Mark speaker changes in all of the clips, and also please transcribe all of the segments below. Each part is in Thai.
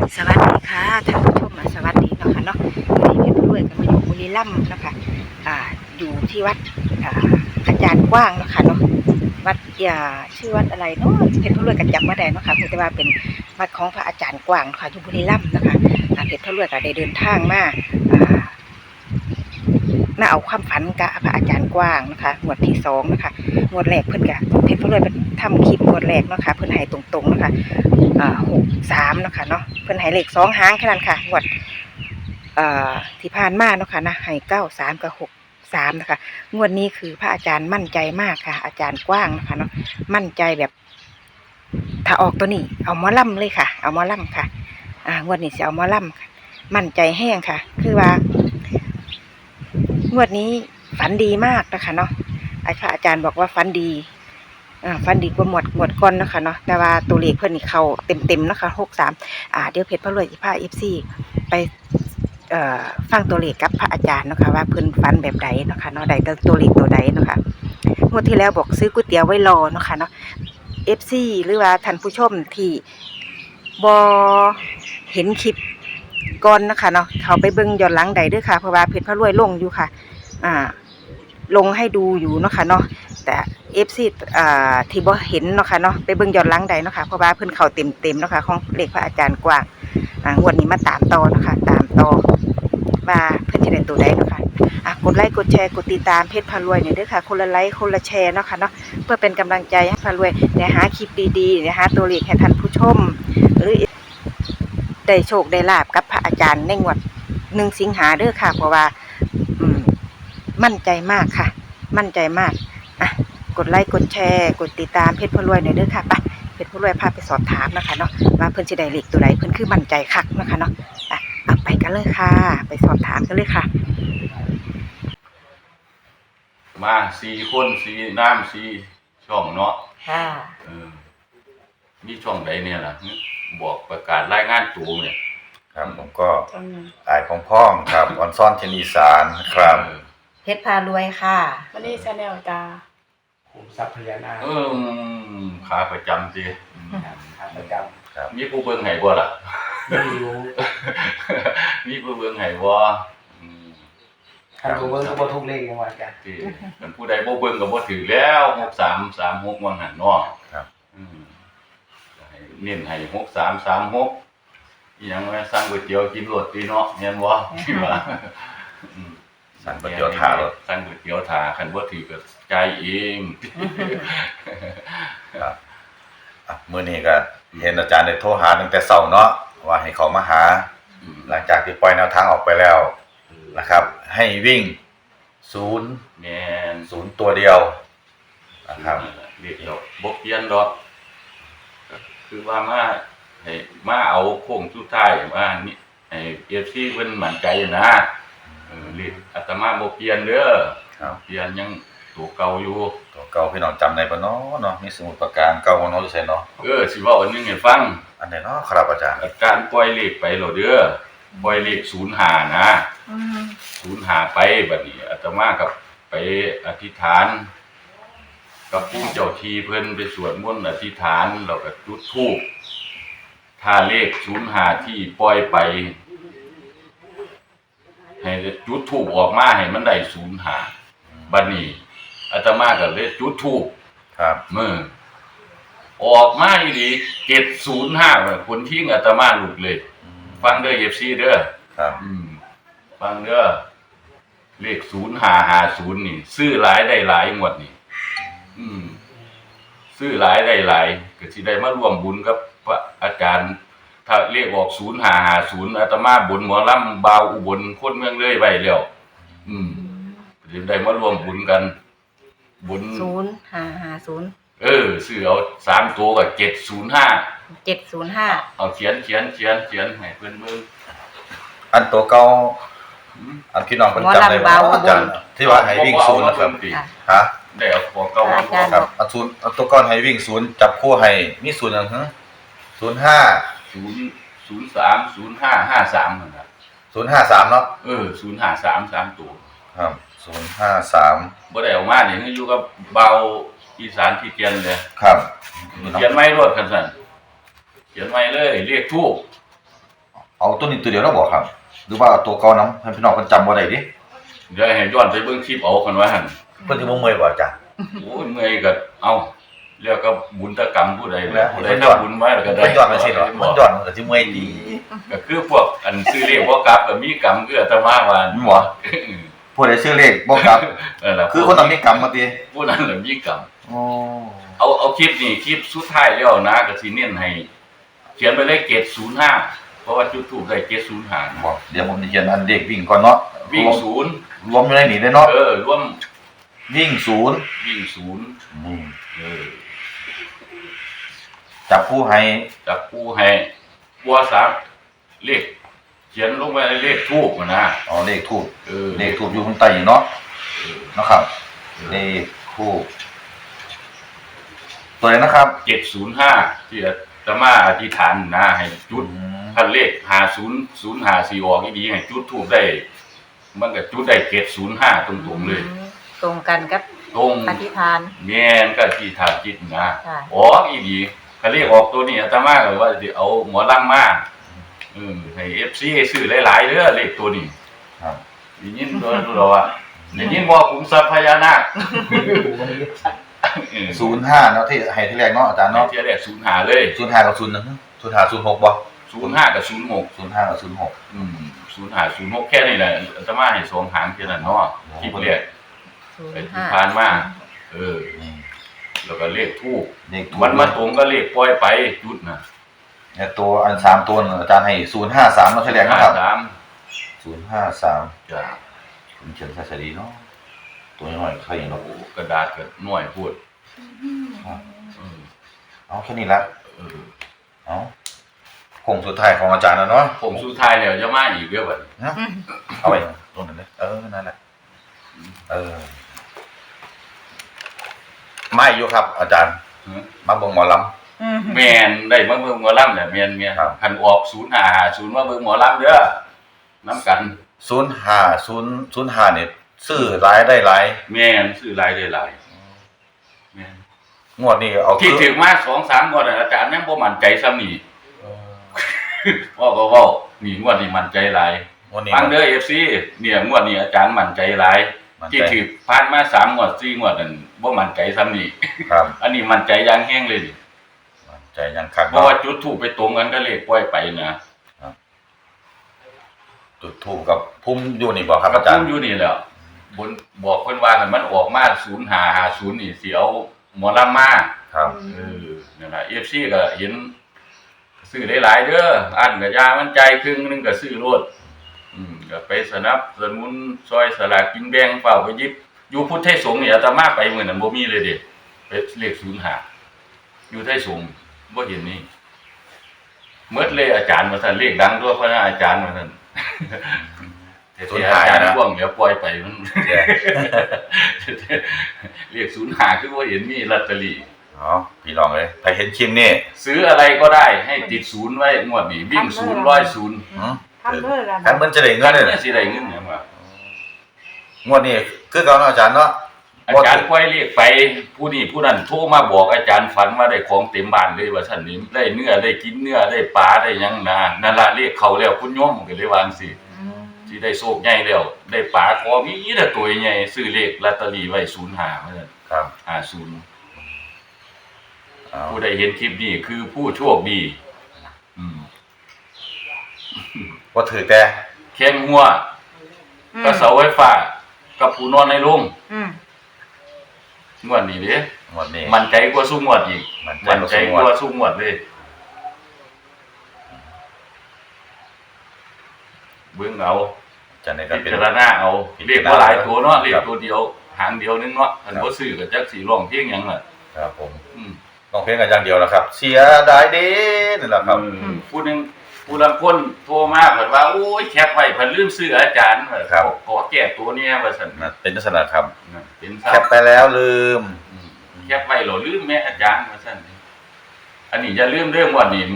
Speaker 1: สวัสดีค่ะท่านผู้ชมสวัสดีเนาะค่ะเนาะวันนี้เพชรด้วยกันมาอยู่บุรีรัมย์เนาะค่ะอยู่ที่วัดอาจารย์กว้างเนาะค่ะเนาะวัดชื่อวัดอะไรเนาะเพชรด้วยกันจำไม่ได้เนาะค่ะแต่ว่าเป็นวัดของพระอาจารย์กว้างค่ะอยู่บุรีรัมย์เนาะค่ะเพชรด้วยก็ได้เดินทางมาเอาความฝันกับพระอาจารย์กว้างนะคะงวดที่2นะคะงวดแรกเพิ่นกะเพชรด้วยเป็นทำคลิปงวดแรกเนาะค่ะเพิ่นให้ตรงๆนะคะ63นะคะเนาะเพิ่นให้เลข2หางแค่นั้นค่ะงวดที่ผ่านมาเนาะค่ะนะให้93กับ63นะคะงวดนี้คือพระอาจารย์มั่นใจมากค่ะอาจารย์กว้างนะคะเนาะมั่นใจแบบถ้าออกตัวนี้เอาหมอลำเลยค่ะเอาหมอลำค่ะงวดนี้สิเอาหมอลำค่ะมั่นใจแห้งค่ะคือว่างวดนี้ฝันดีมากนะคะเนาะพระอาจารย์บอกว่าฝันดีฝันดีกว่าหมวดก่อนนะคะเนาะแต่ว่าตัวเลขเพิ่นนี่เข้าเต็มนะคะ63เดี๋ยวเพชรพระรวยสิพา FC ไปฟังตัวเลขกับพระอาจารย์เนาะค่ะว่าเพิ่นฝันแบบใดเนาะค่ะเนาะใดตัวเลขตัวใดเนาะค่ะงวดที่แล้วบอกซื้อก๋วยเตี๋ยวไว้รอเนาะค่ะเนาะ FC หรือว่าท่านผู้ชมที่บ่เห็นคลิปก่อนนะคะเนาะเขาไปเบิ่งย้อนหลังใดด้วยค่ะเพราะว่าเพชรพระรวยลงอยู่ค่ะลงให้ดูอยู่เนาะค่ะเนาะแต่ FC ที่บ่เห็นเนาะค่ะเนาะไปเบิ่งย้อนหลังใดเนาะค่ะเพราะว่าเพิ่นเข้าเต็มเนาะค่ะของเลขพระอาจารย์กว้างงวดนี้มาตามต่อเนาะค่ะตามต่อว่าเพิ่นจะได้ตัวใดเนาะค่ะกดไลค์กดแชร์กดติดตามเพชรพารวยเนี่ยด้วยค่ะคนละไลค์คนละแชร์เนาะค่ะเนาะเพื่อเป็นกำลังใจให้พารวยในหาคลิปดีๆนะหาตัวเลขให้ท่านผู้ชมหรือได้โชคได้ลาบกับพระอาจารย์ในงวด1 สิงหาเด้อค่ะเพราะว่ามั่นใจมากค่ะมั่นใจมากกดไลค์กดแชร์กดติดตามเพชรพารวยหน่อยเด้อค่ะไปเพชรพารวยพาไปสอบถามนะคะเนาะว่าเพิ่นสิได้เลขตัวใดเพิ่นคือมั่นใจคักนะคะเนาะไปกันเลยค่ะไปสอบถามกันเลยค่ะ
Speaker 2: มา4 คน4น้ำ4ช่องเนาะ
Speaker 1: ค่ะ
Speaker 2: มีช่องใดเนี่ยล่ะบอกประกาศรายงานตัวเนี่ย
Speaker 3: ครับผมก็อายพ้องครับออนซ่อนเทนอีสานครับ
Speaker 1: เพชรพารวยค่ะ
Speaker 4: วันนี้ชาแนลจ้าขุมทรัพย์พญานาค
Speaker 2: ขาประจำสิ
Speaker 4: ขาประจำ
Speaker 2: ครับมีผู้เบิ่งให้บ่ล่ะ
Speaker 4: ไม่รู้
Speaker 2: มีผู้เบิ่งให้บ่
Speaker 4: ท่านผู้เบิ่งก็บ่ทุกเลขจังว่าจ้ะ
Speaker 2: มันผู้ใดบ่เบิ่งก็บ่ถือแล้ว6336ว่าหั่นเนาะ
Speaker 3: ครับ
Speaker 2: เน้นให้6336อีหยังว่าสั่งก๋วยเตี๋ยวกินรสดีเนาะแม่นบ่คิดว่า
Speaker 3: สั่งก๋วยเตี๋ยวถารถ
Speaker 2: สั่งก๋วยเตี๋ยวถาคันบ่ถือก็จ่ายเอง
Speaker 3: ครับมื้อนี้ก็เห็นอาจารย์ได้โทรหาตั้งแต่เช้าเนาะว่าให้เขามาหาหลังจากที่ปล่อยแนวทางออกไปแล้วนะครับให้วิ่ง0
Speaker 2: แม่น
Speaker 3: 0ตัวเดียวนะครับ
Speaker 2: เรียกดอกบ่เปลี่ยนดอกคือว่าให้มาเอาโค้งสุดท้ายว่านี่ให้ FC เพิ่นมั่นใจนะเรียกอาตมาบ่เปลี่ยนเด้อเปลี่ยนยังตัวเก่าอยู่
Speaker 3: ตัวเก่าพี่น้องจำได้บ่เนาะมีสมุดปากกาเก่าบ่เนาะอยู่ไสเนาะ
Speaker 2: สิเว้าอันนึงให้ฟัง
Speaker 3: อันไหนเนาะครับอาจารย์
Speaker 2: การปล่อยเลขไปแล้วเด้อปล่อยเลข05นะ05ไปบัดนี้อาตมากับไปอธิษฐานกับผู้เจ้าที่เพิ่นไปสวดมนต์อธิษฐานแล้วก็จุดธูปถ้าเลข05ที่ปล่อยไปให้จุดธูปออกมาให้มันได้05บัดนี้อาตมาก็เลยจุดธูป
Speaker 3: ครับ
Speaker 2: ออกมาอีหลี705คนทิ้งอาตมาหลุดเลยฟังเด้อ FC เด้อ
Speaker 3: ครับ
Speaker 2: ฟังเด้อเลข0550นี่ซื้อหลายได้หลายงวดนี่ซื้อหลายได้หลายก็สิได้มาร่วมบุญกับพระอาจารย์ถ้าเลขออก0550อาตมาบุญหมอลำบาวอุบลคนเมืองเลยไว้แล้วสิได้มาร่วมบุญกันบุญ
Speaker 1: 0550
Speaker 2: ซื้อเอา3ตัวก็705เอาเขียนให้เพิ่นเบิ่ง
Speaker 3: อันตัวเก่าอันพี่น้องเพิ่นจำได้บ่อาจารย์ที่ว่าให้วิ่ง0นะครับฮะ
Speaker 2: ได้เอาตัวเก่ามา
Speaker 3: ครับอัน0อันตัวก่อนให้วิ่ง0จับคู่ให้มี0จังฮึ
Speaker 2: 05030553นั่นน่ะ
Speaker 3: 053เนาะ
Speaker 2: 053 3ตัว
Speaker 3: ครับ053
Speaker 2: บ่ได้เอามานี่อยู่กับเบาอีสานที่เตียนเลย
Speaker 3: ครับ
Speaker 2: เขียนไว้รวดกันซั่นเขียนไว้เลยเรียกทูป
Speaker 3: เอาตัวนี้ตัวเดียวแล้วบอกครับหรือว่าเอาตัวเก่านำให้พี่น้องเพิ่นจำบ่ได้ดิ
Speaker 2: เดี๋ยวให้ย้อนไปเบิ่งคลิปเอากันว่าหั่น
Speaker 3: เพิ่นสิบ่เมื่อยบ่อาจารย์
Speaker 2: โอ้ยเมื่อยก็เอาเรียกก็บุญตกรรมผู้ใดแหละผู้ใดทำบุญไว้แล้วก็ได้
Speaker 3: เพิ่นย้อนมาสิเนาะมันย้อนมันก็สิเมื่อยดี
Speaker 2: ก็คือพวกอันซื้อเลขบ่กลับก็มีกรรมคืออาตมาว่า
Speaker 3: มีบ่ผู้ใดชื่อเลขบ่ครับ
Speaker 2: นั่นล่ะ
Speaker 3: คือคนต้องมีกรรมมาติ
Speaker 2: ผู้นั้นล่ะมีกรรม
Speaker 3: อ๋อ
Speaker 2: เอาคลิปนี่คลิปสุดท้ายแล้วนะก็สิเน้นให้เขียนไปเลยเกรด05เพราะว่าจุดทูปได้เกรด05
Speaker 3: บอกเดี๋ยวผมจะเขียนอันเลขวิ่งก่อนเนาะ
Speaker 2: วิ่งศูนย์
Speaker 3: รวมอยู่ในนี้เลยเนาะ
Speaker 2: รวม
Speaker 3: วิ่งศูนย์
Speaker 2: วิ่งศูนย์
Speaker 3: นี่
Speaker 2: เออ
Speaker 3: จับผู้ให้
Speaker 2: จับกูให้บัวสามเลขเขียนลงไปในเลขทูปนะ
Speaker 3: อ๋อเลขทูบ
Speaker 2: เออ
Speaker 3: เลขทูบอยู่ข้างใต้เนาะนะครับเลขทูบตัวไหนนะครับ
Speaker 2: 705ที่อาตมาอธิษฐานนะให้จุดพันเลข5004ออกดีๆให้จุดทูปได้ มันก็จุดได้705ตรงๆเลย
Speaker 1: ตรงกันกับ
Speaker 2: ตรง
Speaker 1: อธิษฐาน
Speaker 2: แม่นก็ที่ฐานจิตนะ
Speaker 1: ค่ะ
Speaker 2: ออกอีดีคันเลขออกตัวนี้อาตมาก็ว่าสิเอาหมอลำมาให้ FC ซื้อหลายๆเด้อเลขตัวนี้
Speaker 3: ครับ
Speaker 2: ได้ยินตัวเราอ่ะได้ยินบ่ขุมทรัพย์พญานาค
Speaker 3: 05เนาะที่ให้ที่แรกเนาะอาจารย์
Speaker 2: เนาะ
Speaker 3: เนาะ
Speaker 2: เทียแรก05เลย
Speaker 3: 05กับ01 05 06บ่
Speaker 2: 05กับ06
Speaker 3: 05กับ06
Speaker 2: 05 06แค่นี้แหละอาตมาให้สองหางแค่นั้นเนาะคลิปแรกไปที่ผ่านมา
Speaker 3: นี่
Speaker 2: แล้วก็เลขทูป
Speaker 3: เลขทูบ
Speaker 2: มันมาตรงกับเลขปล่อยไปจุดน่ะ
Speaker 3: เนี่ยตัวอัน3ตัวอาจารย์ให้053เนาะที่แรกนะครับ 053
Speaker 2: จ้ะ
Speaker 3: ผมเขียนซะดีเนาะตัวน้อยๆใครเนาะ
Speaker 2: โอ้กระดาษก็น้อยพูด
Speaker 3: เอาแค่นี้ละ
Speaker 2: เออ
Speaker 3: เอาคงสุดท้ายของอาจารย์แล้วเนาะ
Speaker 2: ผมสุดท้ายแล้วจะมาอีกเด้อบัดนี้
Speaker 3: นะเอาไว้ตรงนั้นเลยนั่นแหละไม่อยู่ครับ อาจารย์มาเบิ่งหมอล
Speaker 2: แม่นได้มาเบิ่งหมอลำเนี่ยแม่น
Speaker 3: ครับ
Speaker 2: คันออก0550มาเบิ่งหมอลำเด้อนํกัน
Speaker 3: ำ05เนี่ยซื้อหลายได้หลาย
Speaker 2: แม่นซื้อหลายได้หลายแม่น
Speaker 3: งวดนี้เอา
Speaker 2: ที่ถึงมา 2-3งวดน่ะอาจารย์ยังบ่มั่นใจซ้ำนี่ เว้านี่งวดนี้มั่นใจหลาย
Speaker 3: งวดนี้
Speaker 2: ฟังเด้อ FC เนี่ยงวดนี้อาจารย์มั่นใจหลาย
Speaker 3: มั่นใจ
Speaker 2: ที่ถือผ่านมา3งวด4งวดนั่นบ่มั่นใจซ้ำนี่
Speaker 3: ครับ
Speaker 2: อันนี้มั่นใจอย่างแฮงเลยนี่
Speaker 3: มั่นใจยังคัก
Speaker 2: เพราะว่าจุดทูปไปตรงกันก็เลขปล่อยไปนะ
Speaker 3: จุดถูกกับพุ่มอยู่นี่บ่ครับ
Speaker 2: ก็
Speaker 3: อาจาร
Speaker 2: พุ่
Speaker 3: ย์
Speaker 2: มอยู่นี่แหละบนบอกเพิ่นว่าคันมันออกมา0550นี่สิเอาหมอลำมา
Speaker 3: ครับ
Speaker 2: นั่นล่ะ FC ก็เห็นซื้อได้หลายเด้ออันก็ยามันใจครึ่งนึงก็ซื้อโลดก็ไปสนับสนุนซอยสลากกินแบ่งเฝ้าไปหยิบอยู่พุทธไทยสงฆ์นี่อาตมาไปมื้อนั้นบ่มีเลยเด้ไปเลข05อยู่ไทยสงฆ์บ่เห็นนี่หมดเลยอาจารย์ว่าซั่นเลขดังด้วยเพราะอาจารย์ว่าซั่นอาจารย์พ่วงเดี๋ยวปล่อยไปมันเรียก05คือบ่เห็นมีลอตเตอรี่
Speaker 3: อ๋อพี่น้องเอ้ยใครเห็นคลิปนี้
Speaker 2: ซื้ออะไรก็ได้ให้ติดศูนย์ไว้งวดนี้วิ่ง0 100
Speaker 1: ทำเลยล่ะ
Speaker 3: คันมันจะได้เงินเลย
Speaker 2: สิได้เงินหยังวะ
Speaker 3: งวดนี้คือเก่าเนาะอาจารย์เนาะ
Speaker 2: อาจารย์ปล่อยเรียกไปผู้นี้ผู้นั้นโทรมาบอกอาจารย์ฝันว่าได้ของเต็มบ้านเลยว่าซั่นนี่ได้เนื้อได้กินเนื้อได้ปลาได้หยังนั่นล่ะเรียกเขาแล้วคุณโยมก็เลยวาจั่งสิสิได้โชคใหญ่แล้วได้ปลาขอมีแต่ตัวใหญ่ซื้อเลขลอตเตอรี่ไว้05ว่าซั่น
Speaker 3: ครับ
Speaker 2: 50
Speaker 3: เอา
Speaker 2: ผู้ใดเห็นคลิปนี้คือผู้โชคดี
Speaker 3: บ่ถือแต่
Speaker 2: แข้งหัวก็เสาไฟฟ้ากับผู้นอนในโรงงวดนี้เด้
Speaker 3: งวดนี้
Speaker 2: มันใจกว่าสู้งวดอีก
Speaker 3: มั่นใจกว่าสู้งวด
Speaker 2: กว่าสู้งวดเลยเบิ่งเอา
Speaker 3: อาจารย์นี่ก็
Speaker 2: พิ
Speaker 3: เป็น
Speaker 2: จารณาเอาเรียกว่าหลายตัวเนาะเรียกตัวเดียวหางเดียวนึงเนาะอันบ่ซื้อก็จักสิร้องเพลงหยังล่ะ
Speaker 3: ครับผมน้องเพลงกันอย่างเดียวแล้วครับ เสียดายเด้นั่นแหละครับ
Speaker 2: ผู้หนึงผู้ลางคนโทรมาเพิ่นว่าโอ้ยแคปไว้เพิ่นลืมซื้ออาจารย์ขอแก้ตัวเนี้ยว่าซั่น
Speaker 3: นะเป็นลักษณะครับ
Speaker 2: เป็น
Speaker 3: แคปไปแล้วลืม
Speaker 2: แคปไว้เหรอลืมแม่อาจารย์ว่าซั่นอันนี้อย่าลืมเรื่องวันนี้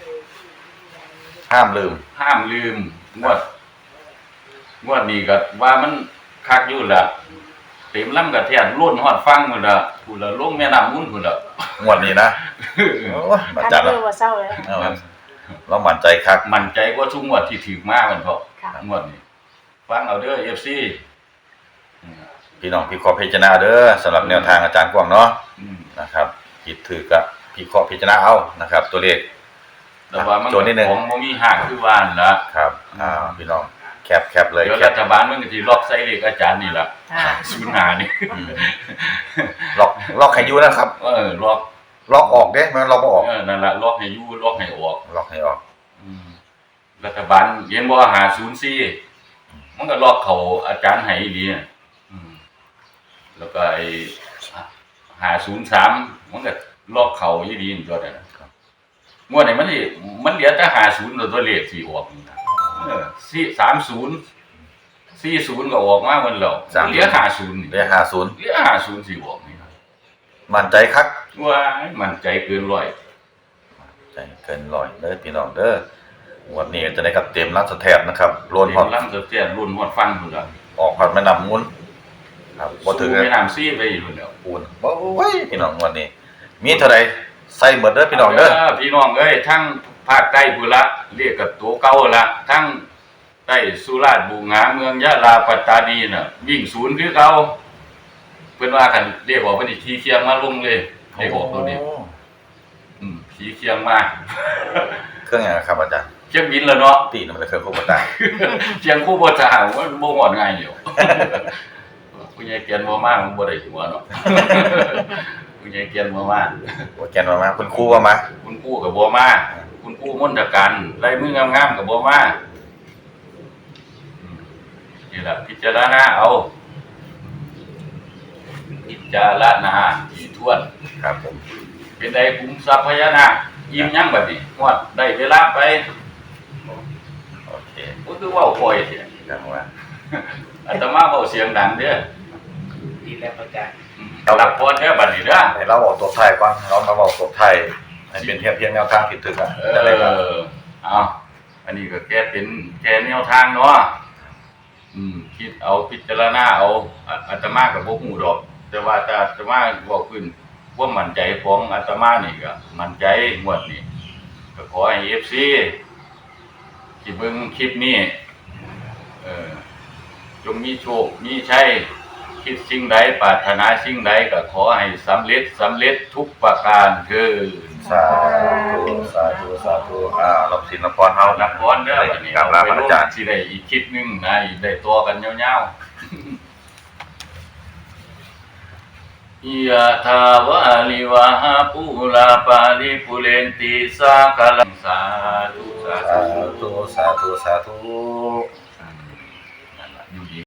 Speaker 3: ห้ามลืม
Speaker 2: ห้ามลืมงวดนี้ก็ว่ามันคักอยู่ล่ะเต็มลำกระแทนล้นฮอดฟังพุ่นล่ะพุ่นละลงแม่น้ำมูลพุ่นล่ะ
Speaker 3: งวดนี้นะโอ้ยอาจารย์
Speaker 1: ทำเล
Speaker 3: นะ
Speaker 1: ยว่าเศร้าเลย
Speaker 3: เอาครับเรามั่นใจคัก
Speaker 2: มั่นใจว่าทุกงวดที่ถือมามันเพราะ
Speaker 5: ค่ะ
Speaker 2: งวดนี้ฟังเอาเด้อ FC
Speaker 3: พี่น้องพี่ขอพิจารณาเด้อสำหรับแนวทางอาจารย์กว้างเนาะ
Speaker 2: อืม
Speaker 3: นะครับผิดถือกับพี่ขอพิจารณาเอานะครับ ตัวเลข
Speaker 2: แต่ว่ามัน
Speaker 3: โจทย์นิดนึง
Speaker 2: ของบ่มีหักคือว่านละ
Speaker 3: ครับพี่น้องแคปเลย
Speaker 2: เดี๋ยว
Speaker 3: แค
Speaker 2: รั
Speaker 3: ป
Speaker 2: ฐบาลมันก็สิล็อกใส่เลขอาจารย์นี่ล่ะ
Speaker 5: ค่ะ
Speaker 2: ศูนย์หานี่
Speaker 3: อืมล็อกให้อยู่นะครับ
Speaker 2: ล็อก
Speaker 3: ล็อกออกเด้มันล็อกบ่ออก
Speaker 2: นั่นล่ะล็อกให้อยู่ล็อกให้ออก
Speaker 3: ล็อกให้ออก
Speaker 2: รัฐบาลเห็นบ่504มันก็ล็อกเขาอาจารย์ให้อีหลีน่ะแล้วก็ไอ้503มันก็ล็อกเขาอีหลีนี่ตัวนั้นงวดนี้มันเหลือแต่50ตัวเลขสิออกนี่นะ40ก็ออกมาหมดแล้วเหลือ50นี่
Speaker 3: เรียก50
Speaker 2: เหลือ50สิออกนี่นะ
Speaker 3: มั่นใจคัก
Speaker 2: ว้ายมั่นใจเกินร้อย
Speaker 3: ใจเกินร้อยเด้อพี่น้องเด้อวันนี้จะได้กับเต็มรัฐแทบนะครับล้นฮอด
Speaker 2: ลำเสียรุ่นฮอดฟังพุ่นล่ะ
Speaker 3: ออกฮอดแม่น้ำมูลครับบ่ถึง
Speaker 2: สู้แม่น้ำซีไปอยู่แล้ว
Speaker 3: ปูนโอ้ยพี่น้องวันนี้ มีเท่าใดใส่หมดเด้อพี่น้องเด้อ
Speaker 2: พี่น้องเอ้ยทั้งภาคใต้พุ่นละเรียกกับตัวเก่าละทั้งใต้สุราษฎร์บูหงาเมืองยะลาปัตตานีน่ะวิ่งศูนย์คือเก่าเพิ่นว่ากันเรียกว่าเพิ่นสิขี่เคียงมาลงเลยเรียกออกตัวนี้ขี่เคียงมา
Speaker 3: เครื่องหยังครับอาจารย์
Speaker 2: เชียงบินแล้วเนาะ
Speaker 3: ตีนมันเลยเครื่องโคบตา
Speaker 2: เชียงคู่บ่ทหารมันบ่ฮอดง่ายอยู่ผู้ใหญ่เกียนบ่มามันบ่ได้หัวเนาะผู้ใหญ่เกียนบ่มา
Speaker 3: โอ้แกนมาคุณครูว่ามา
Speaker 2: คุณกู้กับบัวมาคุณกู้มนตการไล่มืองามๆกับบัวมานี่แหละพิจารณาเอาพิจารณาที่ทวน
Speaker 3: ครับผม
Speaker 2: เป็นใดคุ้มทรัพย์พญานาคยิ้มยั้งแบบนี้งวดได้เวลาไป
Speaker 3: โอเค
Speaker 2: ก็คือเว่าคอยเสียง
Speaker 3: ครับว่า
Speaker 2: อาตมาเบาเสียงดังเด้อ
Speaker 4: ดีแล้วอาจารย์
Speaker 2: หลับพรเด้อบัดนี้เด้อ
Speaker 3: ให้เราบอกตัวไทยก่อนเรามาบอกตัวไทยให้เป็นเพียงแนวทางผิดถึกอ่ะจะได้ครับ
Speaker 2: เอาอันนี้ก็แค่เป็นแค่แนวทางเนาะคิดเอาพิจารณาเอาอาตมากับพวกหมู่ดอก แต่ว่าแต่อาตมาบอกขึ้นว่ามั่นใจของอาตมานี่ก็มั่นใจงวดนี้ก็ขอให้ FC ที่เบิ่งคลิปนี้จงมีโชคมีชัยคิดสิ่งใดปรารถนาสิ่งใดก็ขอให้สำเร็จทุกประการเถิด
Speaker 3: สาธุสาธุสาธุรับสินรับพรเฮา
Speaker 2: นั
Speaker 3: นะ
Speaker 2: บพรเด้อวันนี้
Speaker 3: กราบลาพระอาจารย์
Speaker 2: สิได้อีกคลิปหนึงนะอีกได้ตัวกันยาวๆ ยะถาวาลิวหาปุราปาริปุเรนติสากลังสาธุสา
Speaker 3: สา
Speaker 2: ธุ
Speaker 3: ธุสาธุสาธุ
Speaker 2: นั่นล่ะอยู่ดี